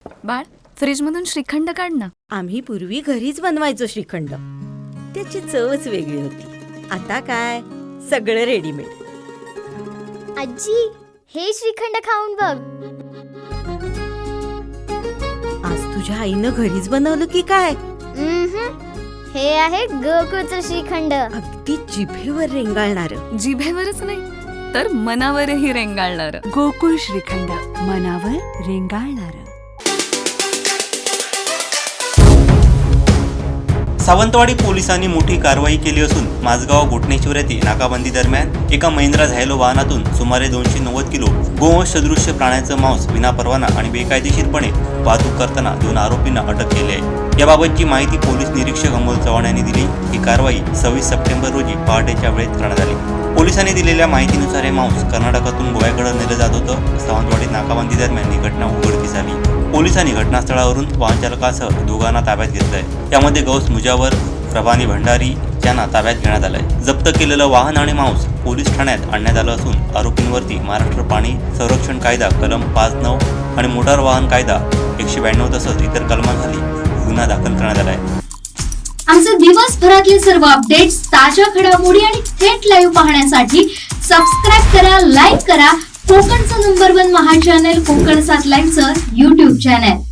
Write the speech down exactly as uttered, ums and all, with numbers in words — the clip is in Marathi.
बाळ, फ्रीज मधून श्रीखंड काढ ना. आम्ही पूर्वी घरीच बनवायचो श्रीखंड. त्याची चवच वेगळी होती. आता काय सगळं रेडीमेड. आजी, हे श्रीखंड खाऊन बघ. आज तुझ्या आईनं घरीच बनवलं की काय? उम्हम. हे आहे गोकुळचं श्रीखंड. अगदी जिभेवर रेंगाळणार. जिभेवरच नाही तर मनावरही रेंगाळणार. गोकुळ श्रीखंड, मनावर रेंगाळणार. सावंतवाडी पोलिसांनी मोठी कारवाई केली असून माझगाव घोटणेश्वर येथे नाकाबंदी दरम्यान एका महिंद्रा झायलो वाहनातून सुमारे दोनशे नव्वद किलो गोवंश सदृश्य प्राण्याचं मांस विनापरवाना आणि बेकायदेशीरपणे वाहतूक करताना दोन आरोपींना अटक केली आहे. याबाबतची माहिती पोलीस निरीक्षक अमोल चव्हाण यांनी दिली. ही कारवाई सव्वीस सप्टेंबर रोजी पहाटेच्या वेळेत करण्यात आली. पोलिसांनी दिलेल्या माहितीनुसार हे मांस कर्नाटकातून गोव्याकडे नेलं जात होतं. सावंतवाडीत नाकाबंदी दरम्यान ही घटना उघडकीस आली. पोलिसांनी घटनास्थळावरून वाहन चालकासह दोघांना ताब्यात घेतलंय. त्यामध्ये गौस मुजावर, प्रभानी भंडारी यांना ताब्यात घेण्यात आलंय. जप्त केलेलं वाहन आणि मांस पोलीस ठाण्यात आणण्यात आलं असून आरोपींवरती महाराष्ट्र पाणी संरक्षण कायदा कलम पाच नऊ आणि मोटार वाहन कायदा एकशे ब्याण्णव तसंच इतर कलमांखाली गुन्हा दाखल करण्यात आलाय. आमचे दिवसभरातले सर्व अपडेट्स, ताज्या घडामोडी आणि थेट लाईव्ह पाहण्यासाठी सबस्क्राईब करा, लाईक करा कोकणचं नंबर वन महा चॅनल कोकण सात लाईव्हचं युट्यूब चॅनल.